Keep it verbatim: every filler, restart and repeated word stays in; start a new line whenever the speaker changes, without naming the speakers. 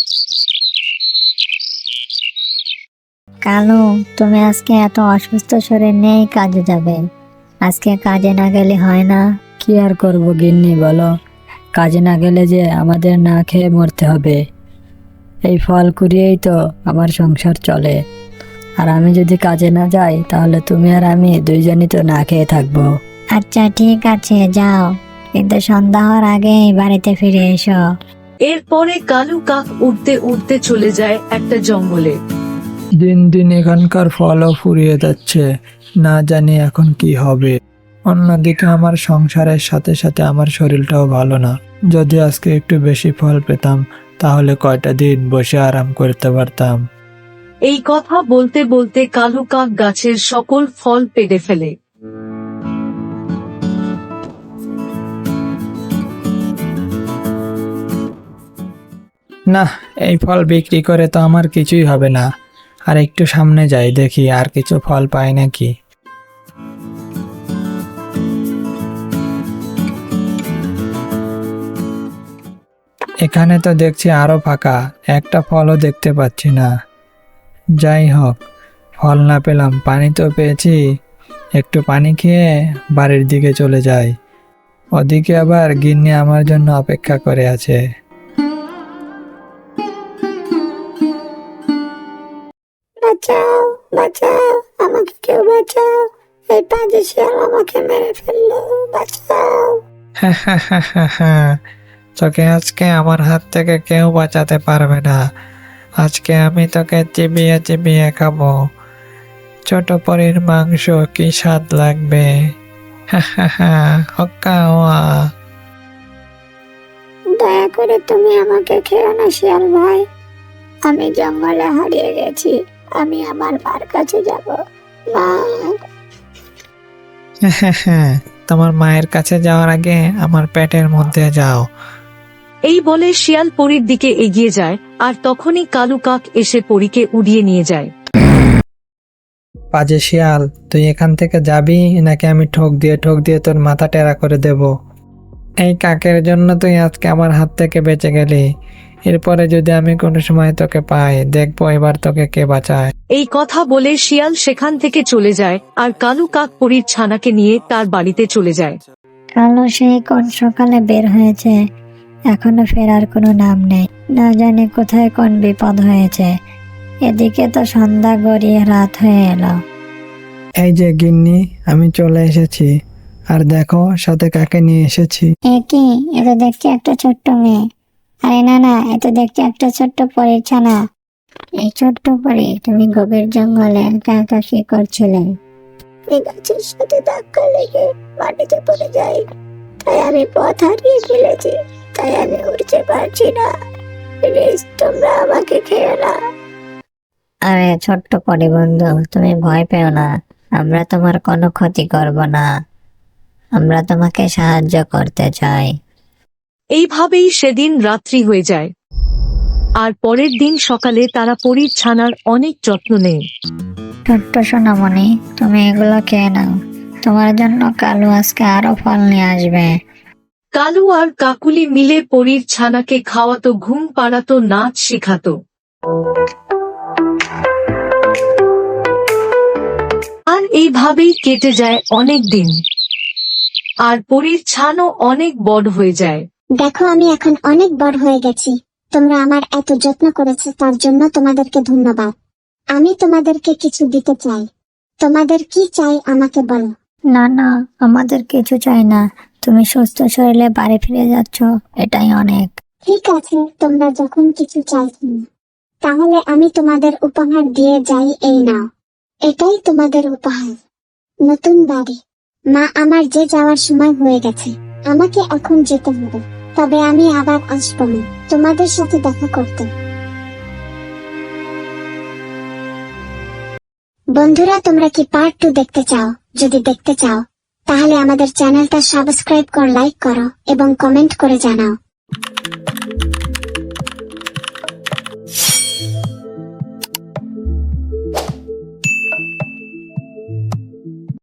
কালু, তুমি আজকে এত অসুস্থ শরীর নেই কাজে যাবে? আজকে কাজে না গেলে হয় না?
কি আর করবো গিন্নি বলো, কাজে না গেলে যে আমাদের না খেয়ে মরতে হবে। এই ফল কুড়িয়েই তো আমার সংসার চলে, আর আমি যদি কাজে না যাই তাহলে তুমি আর আমি দুইজনই তো না খেয়ে থাকবো।
আচ্ছা ঠিক আছে, যাও, কিন্তু সন্ধ্যা হওয়ার আগেই বাড়িতে ফিরে এসো।
এরপরে কালু কাক উড়তে উড়তে চলে যায় একটা জঙ্গলে।
দিন দিন এখানকার ফলও ফুরিয়ে যাচ্ছে, না জানি এখন কি হবে। অন্যদিকে আমার সংসারের সাথে সাথে আমার শরীরটাও ভালো না। যদি আজকে একটু বেশি ফল পেতাম তাহলে কয়টা দিন বসে আরাম করতে পারতাম।
এই কথা বলতে বলতে কালু কাক গাছের সকল ফল পেড়ে ফেলে।
না, এই ফল বিক্রি করে তো আমার কিছুই হবে না। আর একটু সামনে যাই, দেখি আর কিছু ফল পাই নাকি। এখানে তো দেখছি আরো ফাঁকা, একটা ফলও দেখতে পাচ্ছি না। যাই হোক, ফল না পেলাম, পানি তো পেয়েছি। একটু পানি খেয়ে বাড়ির দিকে চলে যাই। ওদিকে আবার গিন্নি আমার জন্য অপেক্ষা করে আছে।
বাঁচাও, বাঁচাও, আমাকে কেউ বাঁচাও, এই পাজি শিয়াল আমাকে মেরে ফেললো, বাঁচাও।
তোকে আজকে আমার হাত থেকে কেউ বাঁচাতে পারবে না। আজকে আমি তোকে চিবিয়ে চিবিয়ে খাবো। ছোট পরীর মাংস কি স্বাদ লাগবে। হক্কা ওয়া।
দয়া করে তুমি আমাকে খেও না শিয়াল ভাই, আমি জঙ্গলে হারিয়ে গেছি, আমি আমার মার কাছে যাব। মা,
তোমার মায়ের কাছে যাওয়ার আগে আমার পেটের মধ্যে যাও।
এই বলে শিয়াল পরীর দিকে এগিয়ে যায়, আর তখনই কালু কাক এসে পরীকে উড়িয়ে নিয়ে যায়।
পাজে শিয়াল, তুই এখান থেকে যাবি নাকি আমি ঠোক দিয়ে ঠোক দিয়ে তোর মাথা টেরা করে দেব? এই কাকের জন্য তুই আজকে আমার হাত থেকে বেঁচে গেলি। এরপরে যদি আমি কোনো সময় তোকে পাই, দেখবো এবার তোকে কে বাঁচায়।
এই কথা বলে শিয়াল সেখান থেকে চলে যায়, আর কালু কাক পরীর ছানাকে নিয়ে তার বাড়িতে চলে যায়।
কালু সেই কোন সকালে বের হয়েছে, এখনো ফেরার কোনো নাম নেই। না জানি কোথায় কোন বিপদ হয়েছে। এদিকে তো সন্ধ্যা গড়িয়ে রাত হয়ে এলো।
এই যে গিন্নি, আমি চলে এসেছি। আর দেখো সাথে কাকে নিয়ে এসেছি।
এ কি, এ তো দেখছি একটা ছোট্ট মেয়ে। আরে না না, এ তো দেখছি একটা ছোট্ট পরীর ছানা। এই ছোট্ট পরী, তুমি গভীর জঙ্গলে একা একা কি করছিলে? এই গাছের সাথে ধাক্কা লেগে মাটিতে পড়ে যাই, তাই আমি পথ হারিয়ে ফেলেছি, তাই আমি উঠতে পারছি না। প্লিজ তোমরা আমাকে খেও না। আরে ছোট্ট পরী বন্ধু, তুমি ভয় পেও না, আমরা তোমার কোনো ক্ষতি করব না, আমরা তোমাকে সাহায্য করতে চাই।
এইভাবেই সেদিন রাত্রি হয়ে যায়, আর পরের দিন সকালে তারা পরীর ছানার অনেক যত্ন নেয়।
ছোট্ট সোনামণি, তুমি এগুলো খেয়ে নাও, তোমার জন্য কালু আজকে আরো ফল নিয়ে আসবে।
কালু আর কাকুলি মিলে পরীর ছানাকে খাওয়াতো, ঘুম পাড়াতো, নাচ শেখাতো। আর এইভাবেই কেটে যায় অনেক দিন, আর পরীর ছানও অনেক বড় হয়ে যায়।
দেখো, আমি এখন অনেক বড় হয়ে গেছি। তোমরা আমার এত যত্ন করেছো, তার জন্য তোমাদেরকে ধন্যবাদ। আমি তোমাদেরকে কিছু দিতে চাই। তোমাদের কি চাই আমাকে বলো।
না না, আমাদের কিছু চাই না, তুমি সুস্থ শরীরে বাড়ি ফিরে যাচ্ছ, এটাই অনেক।
ঠিক আছে, তোমরা যখন কিছু চাইছো না, তাহলে আমি তোমাদের উপহার দিয়ে যাই। এই নাও, এটাই তোমাদের উপহার, নতুন বাড়ি। মা, আমার যে যাওয়ার সময় হয়ে গেছে, আমাকে এখন যেতে হবে, তবে আমি আবার আসবো না তোমাদের সাথে দেখা করতে। বন্ধুরা, তোমরা কি পার্ট টু দেখতে চাও? যদি দেখতে চাও তাহলে আমাদের চ্যানেলটা সাবস্ক্রাইব কর, লাইক করো এবং কমেন্ট করে জানাও।